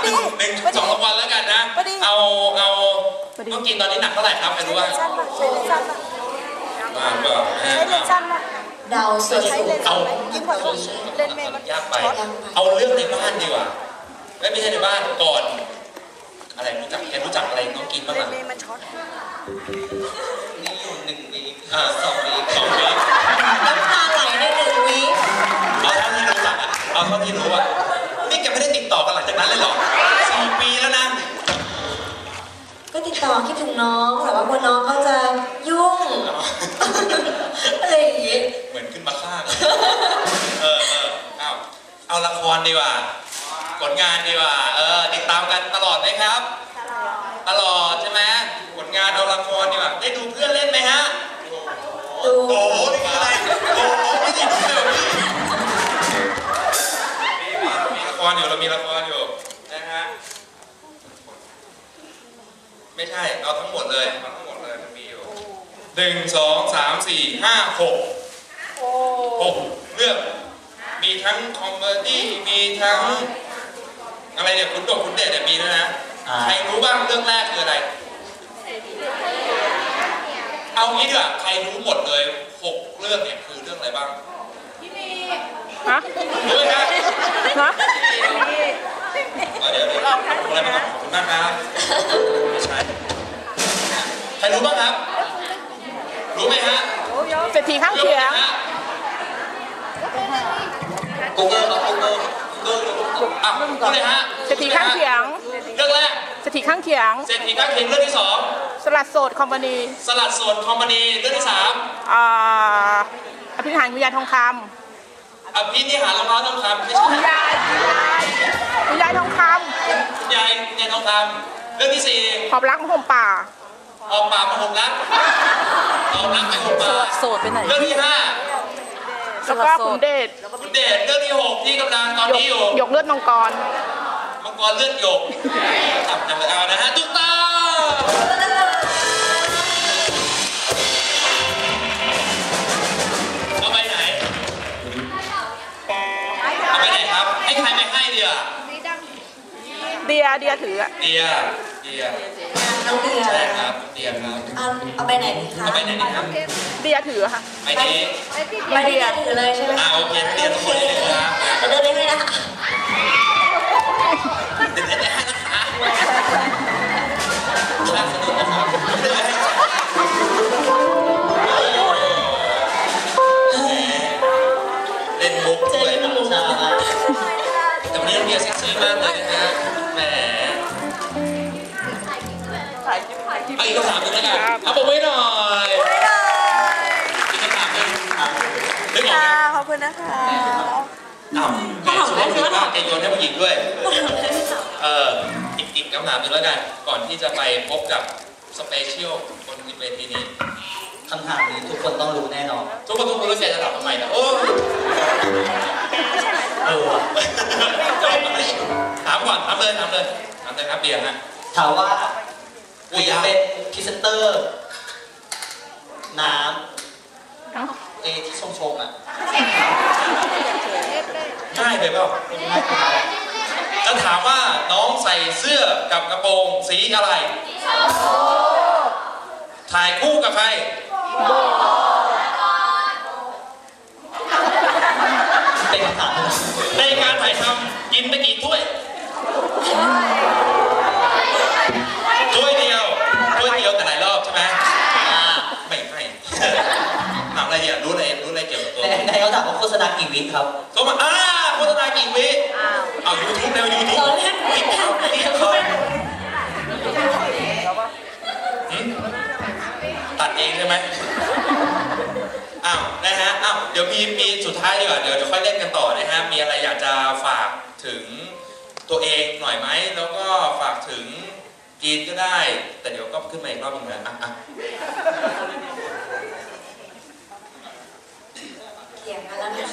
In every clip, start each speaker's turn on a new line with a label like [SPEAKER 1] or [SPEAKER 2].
[SPEAKER 1] 1-2 รางวัลแล้วกันนะเอาต้องกินตอนนี้หนักเท่าไหร่ครับใครรู้บ้าง
[SPEAKER 2] เดาสุด
[SPEAKER 1] เอายากไปเอาเรื่องในบ้านดีกว่าไม่ใช่ในบ้านก่อนอะไรรู้จักอะไรน้องกินบ้างล่ะนี่อยู่1 วีค2 วีค
[SPEAKER 2] น้ำตาไหลใน1 วีค
[SPEAKER 1] เอาเท่าที่รู้จักเอาเท่าที่รู้อะนี่แกไม่ได้ติดต่อกันหลังจากนั้นเลยเหรอ4 ปีแล้วนะ
[SPEAKER 2] ก็ติดต่อคิดถึงน้องแต่ว่าพอน้องเขาจะยุ่งอะไรอย่างงี้
[SPEAKER 1] เหมือนขึ้นมาข้างเอาละครดีกว่าผลงานดีกว่าติดตามกันตลอดไหมครับตลอดใช่ไหมผลงานเอาละครดีกว่าได้ดูเพื่อนเล่นไหมฮะ
[SPEAKER 2] ดู
[SPEAKER 1] โอ้โหนี่คืออะไรโอ้โหไม่ได้ดูเลยมีละครอยู่เรามีละครอยู่นะฮะไม่ใช่เอาทั้งหมดเลยมันมีอยู่1 2 3 4 5 6เรื่องมีทั้งคอมเมดี้มีทั้งอะไรเนี่ยคุณเดชเนี่ยมีด้วยนะใครรู้บ้างเรื่องแรกคืออะไรเอางี้ดีกว่าใครรู้หมดเลย6 เรื่องเนี่ยคือเรื่องอะไรบ้าง
[SPEAKER 3] ฮะ
[SPEAKER 1] รู้ไหมครับ
[SPEAKER 3] ฮะ
[SPEAKER 1] เดี๋ยวอะไรมาขอบคุณมากครับไม่ใช่ใครรู้บ้างครับรู้ไหมฮะ
[SPEAKER 3] เศรษฐีข้างเคียง
[SPEAKER 1] กูเกิลพูดเลยฮะ
[SPEAKER 3] เศรษฐีข้างเคียง
[SPEAKER 1] เรื่องแรก
[SPEAKER 3] เศรษฐีข้างเคียง
[SPEAKER 1] เรื่องที่2
[SPEAKER 3] สลัดโสดคอมพานี
[SPEAKER 1] เรื่องที่3
[SPEAKER 3] อภินิหารวิญญาณทองค
[SPEAKER 1] ำอภินิหารรองเท้าทองคำไม่ใช่
[SPEAKER 3] คุณยายทองค
[SPEAKER 1] ำคุณยายทองคำเรื่องที่4
[SPEAKER 3] หอบรักมาห่มป่า
[SPEAKER 1] หอบป่ามาห่มรักหอบรักไปห่มป่า
[SPEAKER 2] โสดไปไหน
[SPEAKER 1] เรื่องที่5
[SPEAKER 3] แล้วก็คุณเดช
[SPEAKER 1] เรื่องที่6ที่กำลังตอนนี้อยู่
[SPEAKER 3] หยกเลือดมังกร
[SPEAKER 1] เลือดหยกจำเอานะฮะตุ๊กตาเอาไปไหนครับให้ใครไปให้เดีย
[SPEAKER 3] ถือ
[SPEAKER 1] เดีย
[SPEAKER 2] น้องเดีย
[SPEAKER 1] ใช่ครับเดียครับ
[SPEAKER 2] เอาไปไหนดีคะ
[SPEAKER 1] เอาไปไหนดีครับ
[SPEAKER 3] เดียถือค่ะ
[SPEAKER 1] ไปนี้
[SPEAKER 2] เดียถือเลยใช่ไหม
[SPEAKER 1] โอเคเดียทุกคนเลยนะครับ
[SPEAKER 2] เดินได้ไหมนะ
[SPEAKER 1] เล่นมุกด้วยแต่วันนี้เดียเซ็กซี่มากเลยนะฮะแหมอีกคำถามนึงแล้วกันเอาผมไว้หน่อยอีกคำถามนึงนึกออกไหม
[SPEAKER 2] ขอบคุณนะคะ
[SPEAKER 1] แหมสุดยอดมากแกโยนให้ผู้หญิงด้วยอีกคำถามนึงแล้วกันก่อนที่จะไปพบกับสเปเชียลบนเวทีนี้
[SPEAKER 4] คำถามนี้ทุกคนต้องรู้แน่นอน
[SPEAKER 1] ทุกคนรู้แกจะถามทำไมนะโอ้ถามก่อนถามเลยครับเบียร์ฮะ
[SPEAKER 4] ถามว่าเป็นพรีเซนเตอร์น้ำที่ชงอ่ะ
[SPEAKER 1] ง่ายไปเปล่าจะถามว่าน้องใส่เสื้อกับกระโปรงสีอะไรถ่ายคู่กับใคร
[SPEAKER 4] เป็นคำถาม
[SPEAKER 1] ในการถ่ายทำกินไปกี่ถ้วยเดียวแต่หลายรอบใช่ไหมไม่ถามอะไรเนี่ยรู้อะไรเกี่ยวกับตัว
[SPEAKER 4] ในเขาถามว่าโฆษณากี่วิครับ
[SPEAKER 1] โฆษณากี่วิเอายูทูบแล้วยูทูบตัดเองใช่ไหมนะฮะเดี๋ยวมีสุดท้ายดีกว่าเดี๋ยวจะค่อยเล่นกันต่อนะฮะมีอะไรอยากจะฝากถึงตัวเองหน่อยไหมแล้วก็ฝากถึงจีนก็ได้แต่เดี๋ยวก็ขึ้นมาอีกรอบนึงนะ
[SPEAKER 2] เขียนมาแล้วนะ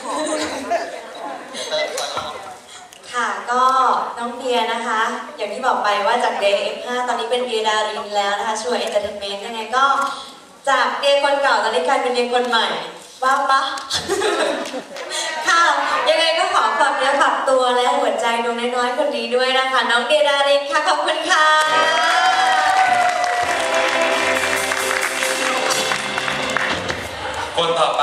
[SPEAKER 2] ค่ะก็น้องเบียร์นะคะอย่างที่บอกไปว่าจากเดย์ F5 ตอนนี้เป็นเบียร์ดารินแล้วนะคะช่วยเอนเตอร์เทนเมนต์ยังไงก็จากเบียร์คนเก่าตอนนี้กลายเป็นเบียร์คนใหม่ว่าปะค่ะยังไงก็ขอฝากเนื้อฝากตัวและหัวใจดวงน้อยๆคนนี้ด้วยนะคะ น้องเดียดารินค่ะ ขอบคุณค่ะ
[SPEAKER 1] คนต่อไป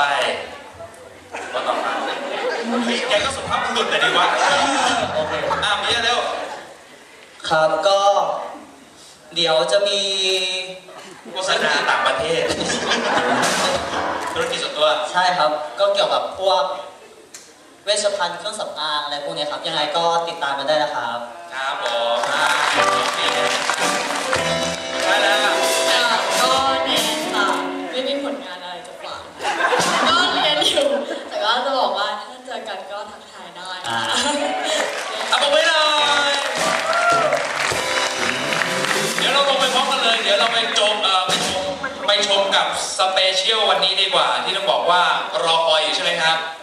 [SPEAKER 1] แกก็สุภาพบุรุษแต่ดีวะ
[SPEAKER 4] โอเค
[SPEAKER 1] มีเร็ว
[SPEAKER 4] ครับก็เดี๋ยวจะมี
[SPEAKER 1] โฆษณาต่างประเทศ ธุรกิจส่วนตัว
[SPEAKER 4] ใช่ครับก็เกี่ยวกับพวกเวชภัณฑ์เครื่องสำอางอะไรพวกนี้ครับยังไงก็ติดตามกันได้นะครับ
[SPEAKER 1] ครับผมได้แล้ว
[SPEAKER 5] ก็แนนค่ะไม่มีผลงานอะไรจะฝากก็เรียนอยู่ แต่ก็จะบอกว่าถ้าเจอกันก็ทักทายได้
[SPEAKER 1] เอาไปหน่อยเดี๋ยวเราลงไปพร้อมกันเลย เดี๋ยวเราไปชมกับสเปเชียลวันนี้ดีกว่า ที่ต้องบอกว่ารอคอยอยู่ใช่ไหมครับ